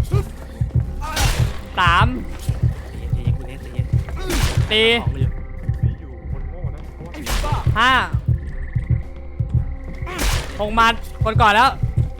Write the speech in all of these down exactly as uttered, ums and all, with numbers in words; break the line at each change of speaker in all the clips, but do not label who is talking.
สามตีห้าหกมัดคนก่อนแล้ว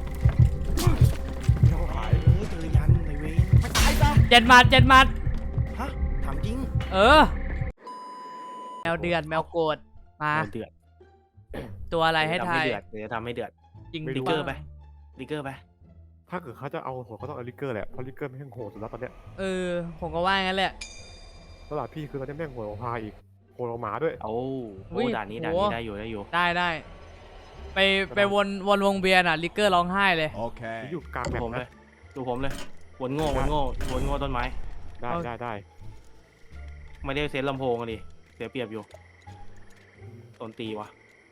เจ็ดมัดเจ็ดมัด
ฮะถามจริง
เออแมวเดือดแมวโกรธมา
เดือด
ตัวอะไรให้ทาย
เดี๋ยวจะทำให้เดือด
จริง
ลิเกอร์ไปลิเกอร์ไป
ถ้าเกิดเขาจะเอาโหดเขาต้องเอาลิเกอร์แหละเพราะลิเกอร์ไม่ใช่โหดสุดแล้วตอนเนี้ย
เออผมก็ว่างั้นแหละ
ตลาดพี่คือตอนนี้แม่งโหดของพาอีกโหดของหมาด้วย
โอ้โหด่านนี้ด่านนี้ได้อยู่ได้อยู่
ได้ได้ไปไปวนวนวงเบียร์น่ะลิเกอร์ร้องไห้เลย
โอเคอยู่กลางแบบ
ผมเลยดูผมเลยวนโง่วนโง่วนโง่ต้นไม้
ได้ได้ได้
ไม่ได้เซตลำโพงกันดิเสียเปรียบอยู่ต้นตีวะ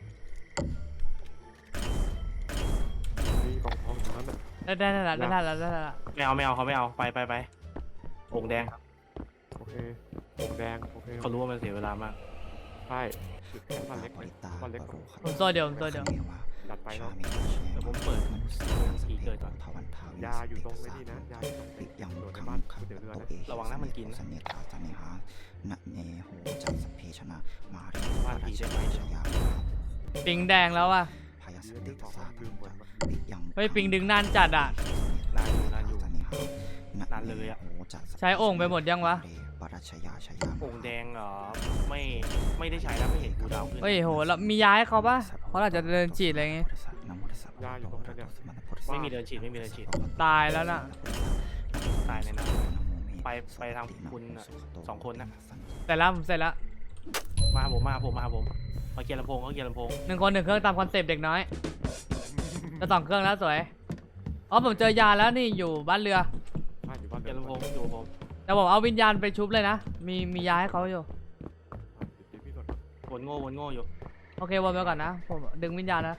มีกองทองตรงนั้น
ได้ได้ได้ได้ได้ได้ได้
ไม่เอาไม่เอาเขาไม่เอาไปไปไปองแดง
โอเคองแดงโอเค
เขารู้ว่ามันเสียเวลามาก
ใช่บ้านเล็กบ้านเล็ก
ผมตัวเดียวตัวเดียว
จัดไปเนาะ
เดี๋ยวผมเปิดทีเกิดก่อน
ยาอยู่ตรงไม่นี่นะยาอยู่ตรงยังโดนในบ้านเดี๋ยวเรือนะ
ระวังนะมันกินนะว่าทีได้ไหม
ปิงแดงแล้วอ่ะเฮ้ยปิงดึงนานจัดอ่ะ
นานอยู่นานอยู่นานเลยอ่ะ
ใช้โอ่งไปหมดยังวะ
โอ่งแดงเหรอไม่ไม่ได้ใช้แล้วไม่เห็นกูดาวขึ้น
เฮ้ยโหแล้วมียาให้เขาปะเขาอาจจะเดินฉีดอะไรเงี้ย
ยาอยู่ตรงนั้นเนี่ย
ไม่มีเดินฉีดไม่มีเดินฉีด
ตายแล้วน่ะ
ตายในน้ำไปไปทางคุณสองคนนะ
เสร็จแล้วผมเสร็จแล้ว
มาผมมาผมมาผมมาเกียร์ลำโพงเขาเกียร์ลำโพง
หนึ่งคนหนึ่งเครื่องตามคอนเซปต์เด็กน้อยจะสองเครื่องแล้วสวยอ๋อผมเจอยาแล้วนี่อยู่บ้านเรือ
เกียร์ลำโพงอยู่ผม
แต่ผมเอาวิญญาณไปชุบเลยนะมีมียาให้เขาอยู่
วนโง่วนโง่อยู่
โอเควนไปก่อนนะผมดึงวิญญาณนะ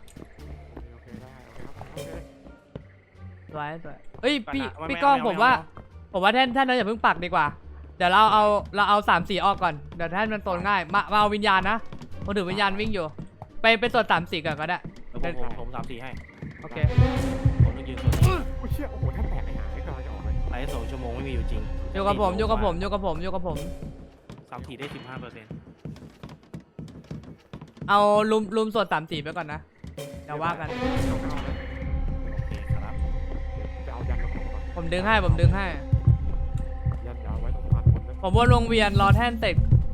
สวยสวยเฮ้ยพี่พี่ก้องผมว่าผมว่าแท่นแท่นนั้นอย่าเพิ่งปักดีกว่าเดี๋ยวเราเอาเราเอาสามสี่ออกก่อนเดี๋ยวแท่นมันโซนง่ายมามาเอาวิญญาณนะผมถือวิญญาณวิ่งอยู่ไปไปตรวจสามสี่ก่อนก็ได้
ผมผมผมสามสี่ให้
โอเค
ผมต้องยืนโซนนี้
โอ้เชี่ยโอ้โหแท่นแตกไอ้ห่าไอ้กำลังจะออกเลย
ไอ้สองชั่วโมงไม่มีอยู่จริง
อยู่กับผมอยู่กับผมอยู่กับผมอยู่กับผม
สามสี่ได้สิบห้าเปอร์เซ็นต์
เอาลุมลุมส่วนสามสี่ไปก่อนนะเดี๋ยวว่ากันผมดึงให้ผมดึงให้
ยันยาวไว้ตรงพันคน
ผมวนวงเวียนรอแท่นเสร็จ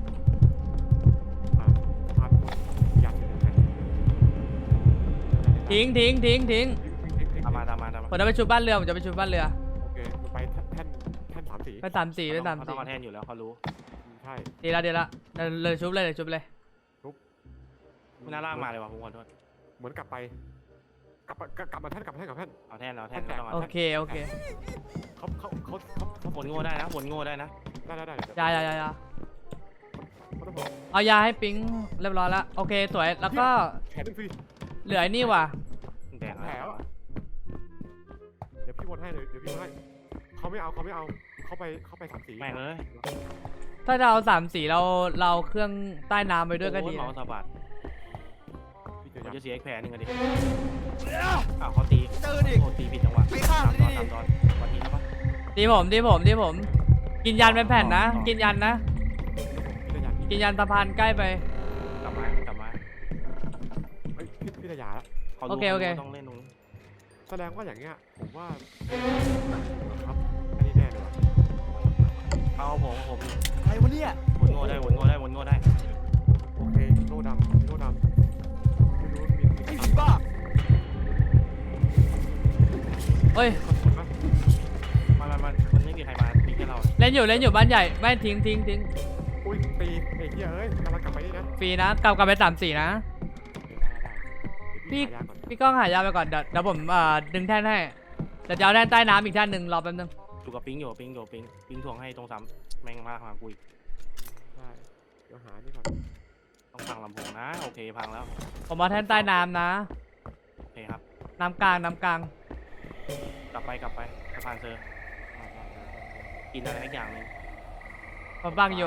ทิ้งทิ้งทิ้งทิ้ง
ตามมาตามมาตามมา
ผมจะไปชุบบ้านเรือผมจะไปชุบบ้านเรือ
โอเคไปแท่นแท่นสามสี่
ไปสามสี่ไปสามสี่
ต้องมาแท่นอยู่แล้วเขารู้
ใช่
ดีละดีละเลยชุบเลยเลยชุบเลย
ชุบ
ไม่น่าลากมาเลยว่ะผมขอโทษ
เหมือนกลับไปกลับกลับมาแท่นกลับมาแท่นกลับแท่น
เอาแท่นเอาแท่น
โอเคโอเค
เขาเขาเขาเขา
วนโง่ได้นะวนโง่ได้นะ
ได้ได้ได้
ยายายายาเอายาให้ปิ๊งเรียบร้อยแล้วโอเคสวยแล้วก็เหลือไอ้นี่ว่ะ
แดงแล้ว
เดี๋ยวพี่วนให้เลยเดี๋ยวพี่วนให้เขาไม่เอาเขาไม่เอาเขาไปเขาไปสามสี
แม่งเลย
ถ้าเราสามสีเราเราเครื่องใต้น้ำไปด้วยก็ดี
เมาสะบัดผมจะเสียอีกแผลนึงกันดิอ้าวเขาตีโอ้ตีผิดจังหวะตามตอนตามตอนวันนี้แล้วปะ
ตีผมตีผมตีผมกินยันเป็นแผ่นนะกินยันนะกินยันสะพานใกล้ไป
กลับมากลับมา
พี่พี่ระยะแล้ว
โอเคโอเค
ต้องเล่นตรงนี้
แสดงว่าอย่างเงี้ยผมว่าครับอันนี้แน่เลยว่ะ
เอาผมผม
ใครวะเนี่ย
วนโง่ได้วนโง่ได้วนโง่ได้
โอเคโล่ดำโล่ดำไม่รู้มีมีมีบ้า
เฮ้ย
มันมันมันไม่มีใครมามีแค่เรา
เล่นอยู่เล่นอยู่บ้านใหญ่ไม่ทิ้งทิ้งทิ้ง
อุ้ยตีไอ้เหี้ยเอ้ยกำลังกลับไปนี่นะ
ฟรีนะกลับกลับไปสามสี่นะพี่พี่ก้องหายาไปก่อนเดี๋ยวเดี๋ยวผมเอ่อดึงแท่นให้เดี๋ยวจะเอาแท่นใต้น้ำอีกแท่นหนึ่งรอแป๊บนึง
อยู่กับปิ๊งอยู่ปิ๊งอยู่ปิ๊งปิ๊งทวงให้ตรงซ้ำแมงมาหากุย
ได้เดี๋ยวหานี่ก่อน
ต้องพังลำโพงนะโอเคพังแล้ว
ผมเอาแท่นใต้น้ำนะ
โอเคครับ
น้ำกลางน้ำกลาง
กลับไปกลับไปสะพานเซอร์กินอะไรสักอย่างนึง
ผมบังอยู่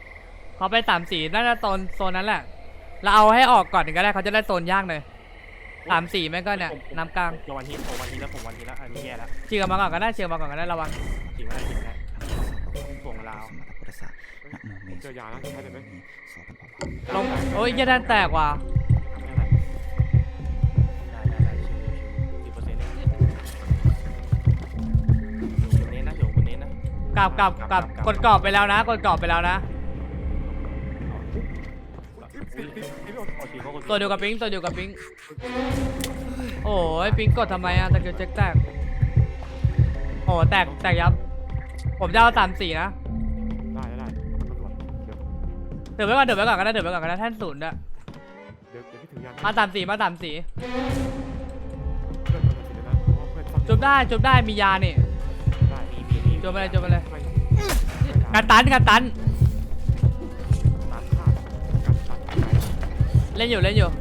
เขาไปสามสีน่าจะโซนโซนนั้นแหละเราเอาให้ออกก่อนก็ได้เขาจะได้โซนยากเลยสามสี่แม่งก็เนี่ยน้ำกลาง
ผมวันทีผมวันทีแล้วผมวันทีแล้วอันนี้แย่แล้ว
ฉีกออกมาก่อนก็ได้ฉีกออกมาก่อนก็ได้ระวัง
ฉีกไม่ได้ฉีกไม่ได้ถ่วงลาว
ผมเจอยาแล้วใช่ไหม
ลงโอ้ยเหี้ยแทนแตกว่ะ
ไม่เป็นไรได้ได้ได้ชิวชิวสิบเปอร์เซ็นต์เนี่ยอยู่บนเน้นนะอยู่บนเน้นนะ
กลับกลับกลับกดกรอบไปแล้วนะกดกรอบไปแล้วนะ
ติดติดติด
โอเคเขาก็
ตัวเดียวกับปิงตัวเดียวกับปิงโอ้ยปิงกดทำไมอะตะเกียบเจ๊กแตกโอ้แตกแตกยับผมจะเอาสามสี่นะ
ได้ได้ตำรวจเดี๋ยว
เดี๋ยวไว้ก่อนเดี๋ยวไว้ก่อนก็ได้เดี๋ยวไว้ก่อนก็ได้แท่นศูนย์อะ
เดี๋ยวเดี๋ยวพี่ถือยา
มาสามสี่มาสามสี่
เพื่อนมันติดนะเพราะเพื่อน
จุบได้จุบได้มียานี่
ได้
มีมีมี
จุบไปเลยจุบไปเลย
ไม่
กันตันกันตัน
ตัดขาดการตัด
เล่นอยู่เล่นอยู่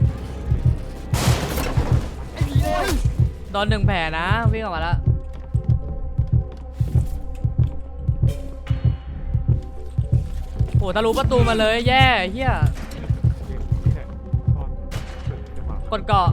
โดนหนึ่งแผลนะวิ่งออกมาแล้วโอ้ทะลุประตูมาเลยแย่เฮีย
นี่แหละตอนจังหวะ
กดเกาะ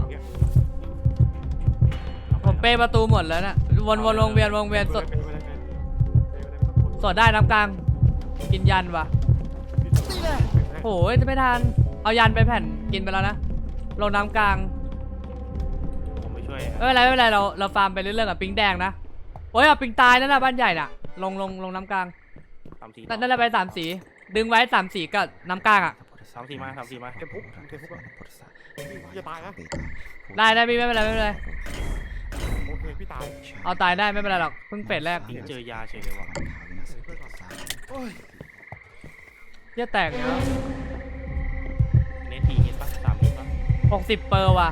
ผมเปย์ประตูหมดแล้วนะวนวนวงเวียนวงเวียนสดสดได้น้ำกลางกินยันว่ะโอ้ยจะไม่ทันเอายันไปแผ่นกินไปแล้วนะลงน้ำกลาง
ผมไม่ช่วย
ไม่เป็นไรไม่เป็นไรเราเราฟาร์มไปเรื่อยๆกับปิงแดงนะโอ้ยเอาปิงตายนั่นน่ะบ้านใหญ่น่ะลงลงลงน้ำกลาง
สามสี่
นั่นนั่นแหละไปสามสีดึงไว้สามสีกับน้ำกลางอ่ะ
สามสี่มาสามสี่มา
เต็มพุกเต็มพุกแล้วอย่าตายนะ
ได้ได้พี่ไม่เป็นไรไม่เป็นไร
โอเคพี่ตาย
เอาตายได้ไม่เป็นไรหรอกเพิ่งเฟสแรก
ทิ้งเจอยาเฉยเลยว่ะ
เหี้ยแตกเนาะ
เน้นทีเห็นปะสามเห็นปะ
หกสิบเปอร์ว่ะ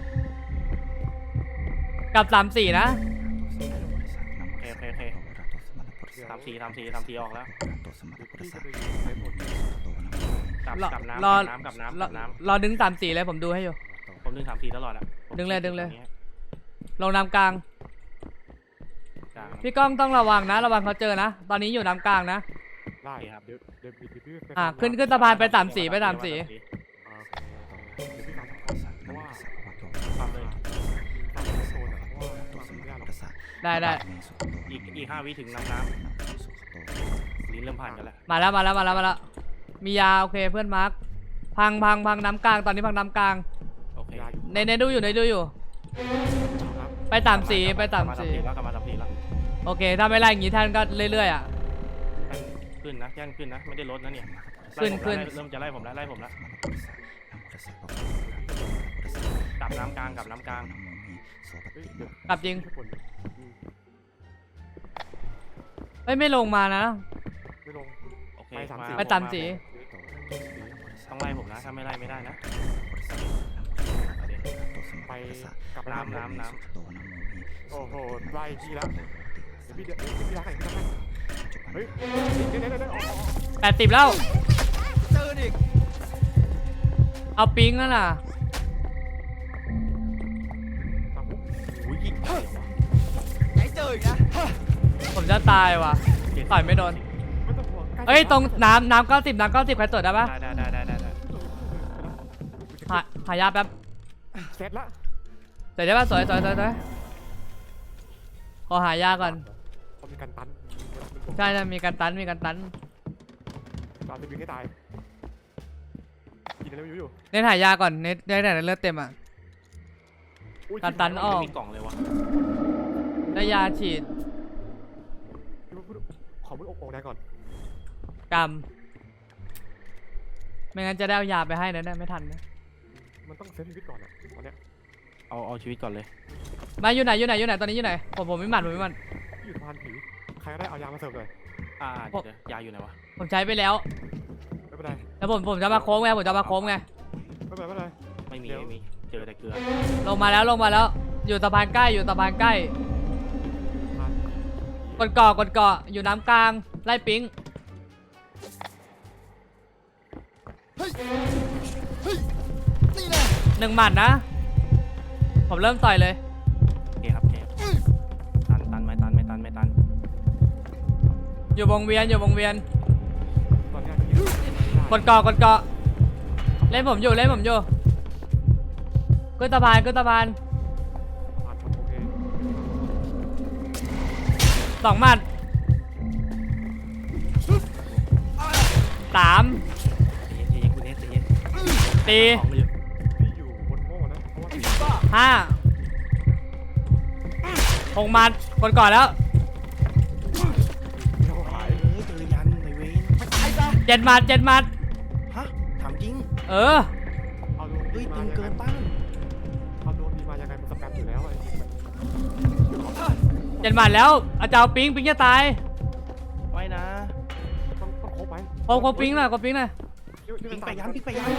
กับสามสี่นะ
โอเคโอเคโอเคสามสี่สามสี่สามสี่ออกแล้ว
พี่จะไปยิงใครหมด
กลับ
รอก
ลับน้ำ
รอก
ลับน้ำกลับน้ำ
ร
ก
อ
ลับน้
รอดึงสามสี่เลยผมดูให้อยู่
ำผมดึงสามสี่ตลอดอ่ะผม
ดึงเลยดึงเลย
อางงี้
ลงน้ำกลาง
กลาง
พี่ก้องต้องระวังนะระวังเขาเจอนะตอนนี้อยู่น้ำกลางนะ
ได้ครับเดี๋ยวเดี๋ยวพี่พี่
อ่ะขึ้นขึ้นสะพานไปสามสี่ไปสามสี่
เดี๋ยวพี่ตามเพราะว่า
ทำเลย
ตามโซนอ่ะเพราะว่าตัวไม่ได้หรอก
ได้ได้
อีกอีกห้าวิถึงน้ำน้ำลิ้นเริ่มผ่านกันแล้ว
มาแล้วมาแล้วมาแล้วมาแล้วมียาโอเคเพื่อนมาร์คพังพังพังน้ำกลางตอนนี้พังน้ำกลาง
โอเค
ในในดูอยู่ในดูอยู่ ไปสามสีไปสามสี
แล้วกลับมาสามสี่แล้ว
โอเคถ้าไม่ไล่อย่างงี้ท่านก็เรื่อยๆอ่ะ
ขึ้นนะย่านขึ้นนะไม่ได้ลดนะเนี่ย
ขึ้นขึ้น
เริ่มจะไล่ผมแล้วไล่ผมแล้วกลับน้ำกลางกลับน้ำกลาง
กลับจริงเฮ้ยไม่ลงมานะ
ไม่ลง
โอเค
ไปสาม
มา
สี่
ไปสามสี
ต้องไล่ผมนะถ้าไม่ไล่ไม่ได้นะ
ไปกลับไป
น้ำน้ำน้
โอ้โหไล่พี่แล้วเดี๋ยวพี่เดี๋ยวพี่รักไหนพี่รักไหนเฮ้ยเดี๋ยวเดี๋ยวเดี๋ยวออก
แปดสิบแล้ว
เจออีก
เอาปิงนั่นน่ะ
ตามปุ๊บ
ำอุ้ยยิงเดี๋ยววะ
ไหนเจออีกนะ
ผมจะตายว่ะต่อยไม่โดน
ไม่ต้องห่วง
เอ้ยตรงน้ำน้ำเก้าสิบน้ำเก้าสิบใครตรวจได้ปะ
ได้ได้ได้ได้ได้
หาหายาแป๊บ
เสร็จละ
เสร็จได้ปะสวยสวยสวยสวยขอหายาก่อน
เขามีการตัน
ใช่ใช่มีการตันมีการตัน
ตอนจะบินให้ตายกินอะไรไม่รู้อยู่
เน้นหายาก่อนเน้นได้แต่เลือดเต็มอ่ะ การตันออก
ไม่มีกล่องเลยวะ
ได้ยาฉีด
ขอมืออกอกได้ก่อน
กำไม่งั้นจะได้เอายาไปให้นะเนี่ยไม่ทันนะ
มันต้องเซฟชีวิตก่อนอ่ะตอนเนี้ย
เอาเอาชีวิตก่อนเลย
มาอยู่ไหนอยู่ไหนอยู่ไหนตอนนี้อยู่ไหนผมผมไม่หมันผมไม่หมัน
อยู่สะพานผีใครก็ได้เอายามาเสิร์ฟเลย
อ่าเดี๋ยวเดี๋ยวยาอยู่ไหนวะ
ผมใช้ไปแล้ว
ไม่เป็นไร
แล้วผมผมจะมาโค้งไงผมจะมาโค้งไง
ไม่เป็นไรไม่เป็นไร
ไม่มีไม่มีเจอแต่เกลือ
ลงมาแล้วลงมาแล้ว อยู่สะพานใกล้อยู่สะพานใกล้
สะพาน
กดเกาะกดเกาะอยู่น้ำกลางไล่ปิง
นี่แหละ
หนึ่งหมัดนะ ผมเริ่มต่อยเลย
โอเคครับโอเคตันตันไม่ตันไม่ตันไม่ตัน
อยู่วงเวียนอยู่วงเวียน
ตอนเนี้ย
กดเกาะกดเกาะเล่นผมอยู่เล่นผมอยู่ขึ้นสะพานขึ้นสะพาน
ผ่านคนโอเค
สองหมัดสาม
ใจเย็นใจเย็นคุณเนสใจเย็น
ตี
ของมันอยู่
พี่อยู่บนโม่นะเพราะว่า
ไอ้ผีบ้า
ห้าหกหมัดคนก่อนแล้ว
พี่เขาหาย
เฮ้ยเจอยันในเวน
มันตายซะ
เจ็ดหมัดเจ็ดหมัด
ฮะถามจริง
เออ
เอาโดน
เฮ้
ตี
ย
มา
ตึง
ยัง
เกิ
ไง
นต้าน
เอาโดนตีมายังไงมันสแปมอยู่แล้วไอ้จริงมัน
เจ็ดหมัดแล้วอาจารย์ปิงปิงจะตาย
ไม่นะ
ต้องต้องครบไหม
โคโคปิงหน่อยโคปิงหน่อย
ปิ๊งไปยันปิ๊งไปยัน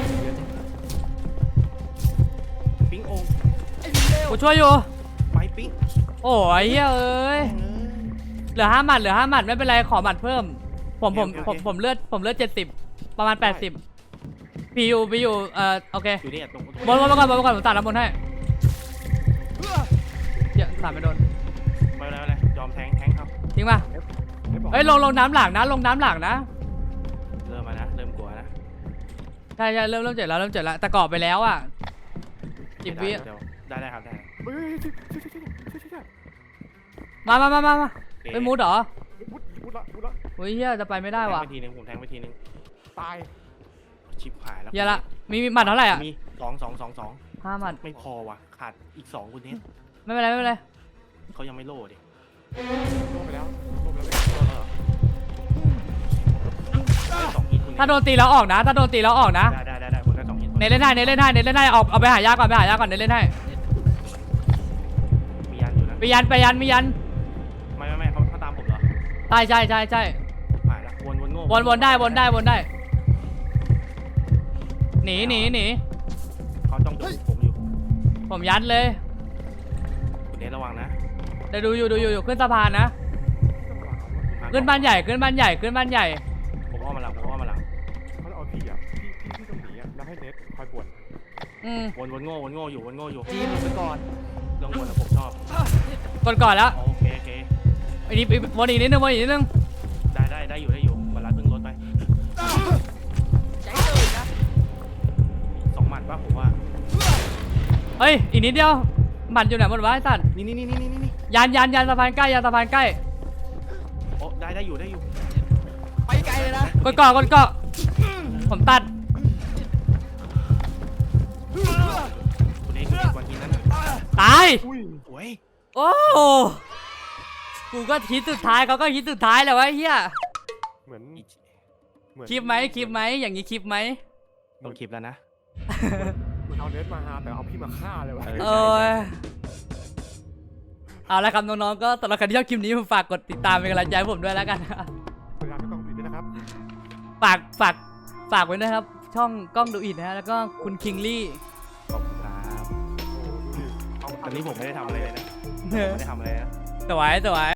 ปิ๊งโอ่ง
ไอ้ผีเลว
กูช่วยอยู่
ไปปิ๊ง
โอ้ยเฮ้ยเอ้ย
เออ
เหลือห้าหมัดเหลือห้าหมัดไม่เป็นไรขอหมัดเพิ่ม ผมผม
โอเค
ผ
โอ
ม
เค
ผมเลือดผมเลือดเจ็ดสิบประมาณแปดสิบพียูพียูเอ่อโอเค
อยู่นี่ตรงตรง
บนบนมาก่อนบนมาก่อนผมตัดน้ำบนให้เดี๋ยวตัดไม่โดน
ไปแล้วเลยยอมแทงแทงครับ
ทิ้งป่ะ
ได้บอก
เฮ้ยลงลงน้ำหลังนะลงน้ำหลังนะ
เริ่มมานะเริ่มกลัวนะ
ใช่ใช่เริ่มเริ่มเจ็บแล้วเริ่มเจ็บแล้วแต่กรอบไปแล้วอ่ะจิบวิ
เดี๋ยวได้ได้ครับได้
เฮ้ยช่วยช่วยช่วยช่วยช่วยช่วย
มามามามามา
โอเค
ไปมูดเหรอ
มุดมุดละมุดละ
เฮ้ยเฮียจะไปไม่ได้ว่ะ
แทงไปทีนึงผมแทงไปทีนึง
ตาย
ชิปหายแล้ว
เฮียละมีมีหมัดเท่าไหร่อ่ะ
มีสองสองสองสอง
ห้าหมัด
ไม่พอว่ะขาดอีกสองคุณเนส
ไม่เป็นไรไม่เป็นไร
เขายังไม่โล่ดิ
โดนไปแล้วโดนไปแล้ว
โล่แล้วเหรอได้สองฮิตคุณเนส
ถ้าโดนตีแล้วออกนะ ถ้าโดนตีแล้วออกนะ
ได้ได้ได้ได้ผมได้สองฮิต
เนเล่นให้เนเล่นให้เนเล่นให้เอาเอาไปหายาก่อนไปหายาก่อนเนเล่นให้
มียันอยู่นะ
ไปยันไปยันมียัน
ไม่ไม่ไม่เขาเขาตามผมเหรอ
ใช่ใช่ใช่ใช่
หายละวนวนโง่
วนวนได้วนได้วนได้ หนีหนีหนี
เขาต้องดูผมอยู่
ผมยัดเลย
คุณเนสระวังนะ
เดี๋ยวดูอยู่ดูอยู่อยู่ขึ้นสะพานนะ ขึ้นบ้านใหญ่ขึ้นบ้านใหญ่ขึ้นบ้านใหญ่
ผมอ้อมมาหลังผมอ้อมมาหลัง
เขาเอาพี่อ่ะพี่พี่พี่ต้องหนีอ่ะแล้วให้เน็ตคอยป่วน
อืม
วนวนโง่วนโง่อยู่วนโง่อยู่
จีนหลุดไปก่อน
เรื่องวนอะผมชอบ
กดก่อนแล้ว
โอเคโอเค
อันนี้วนอีกนิดนึงวนอีกนิดนึง
ได้ได้ได้อยู่ได้อยู่มาลัดเพิ่งรถไป
ใจเจออีกนะ
สองหมัดป่ะผมว่า
เฮ้ยอีกนิดเดียวหมัดอยู่ไหนหมดวะไอ้สัตว์
นี่นี่นี่นี่นี่นี่
ยันยันยันสะพานใกล้ยันสะพานใกล้
โอ้ได้ได้อยู่ได้อยู่
ไปไกลเลยนะ
กดก่อนกดก่อนผมตัด
คุณเอกคุณเอกวันนี้นั่นน่ะ
ตาย
อุ้ย
โอ้ย
โอ้กูก็ฮิตสุดท้ายเขาก็ฮิตสุดท้ายแหละวะเฮีย
เหมือนเหมือน
คลิปไหมคลิปไหมอย่างนี้คลิปไหม
ต้องคลิปแล้วนะ
เหมือนเอาเน็ตมาหาแต่เอาพี่มาฆ่าเลยวะ
เออเอาละครับน้องๆก็สำหรับใครที่ชอบคลิปนี้ผมฝากกดติดตามเป็นกำลังใจให้ผมด้วยแล้วกัน
พยายามไม่ต้องดูด้วยนะครับ
ฝากฝากฝากไว้ด้วยครับ ช่องกล้องดูอิดนะฮะแล้วก็คุณคิงลี่
ขอบคุณครับ
โอ้ดูดิเอา
อันนี้ผมไม่ได้ทำอะไรเลยนะผมไม่ได้ทำอะไรนะ
สวยสวย